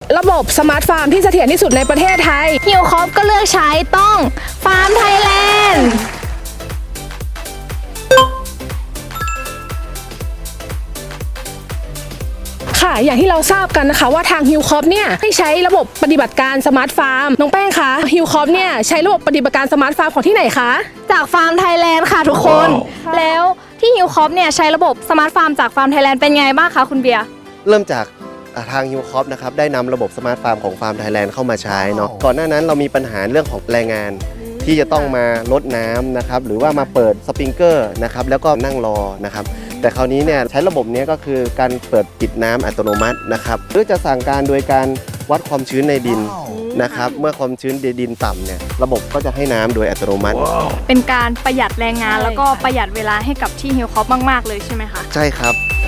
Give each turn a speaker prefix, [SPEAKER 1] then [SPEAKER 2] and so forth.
[SPEAKER 1] ระบบสมาร์ทฟาร์มที่เสถียรที่สุดในประเทศไทย
[SPEAKER 2] ฮิวคอปก็เลือกใช้ต้องฟาร์มไทยแลนด์
[SPEAKER 1] ค่ะอย่างที่เราทราบกันนะคะว่าทางฮิวคอปเนี่ยให้ใช้ระบบปฏิบัติการสมาร์ทฟาร์มน้องแป้งคะฮิวคอปเนี่ยใช้ระบบปฏิบัติการสมาร์ทฟาร์มของที่ไหนคะ
[SPEAKER 2] จากฟาร์มไทยแลนด์ค่ะทุกคน แล้วที่ฮิวคอปเนี่ยใช้ระบบสมาร์ทฟาร์มจากฟาร์มไทยแลนด์เป็นไงบ้างคะคุณเบียร์
[SPEAKER 3] เริ่มจากทางฮิวคอปนะครับได้นำระบบสมาร์ทฟาร์มของฟาร์มไทยแลนด์เข้ามาใช้เนาะก่อนหน้านั้นเรามีปัญหาเรื่องของแรงงานที่จะต้องมารดน้ำนะครับหรือว่ามาเปิดสปริงเกอร์นะครับแล้วก็นั่งรอนะครับแต่คราวนี้เนี่ยใช้ระบบนี้ก็คือการเปิดปิดน้ำอัตโนมัตินะครับหรือจะสั่งการโดยการวัดความชื้นในดินนะครับเมื่อความชื้นในดินต่ำเนี่ยระบบก็จะให้น้ำโดยอัตโนมัติ
[SPEAKER 2] เป็นการประหยัดแรงงานแล้วก็ประหยัดเวลาให้กับที่ฮิวคอปมากๆเลยใช่ไหมคะ
[SPEAKER 3] ใช่ครับ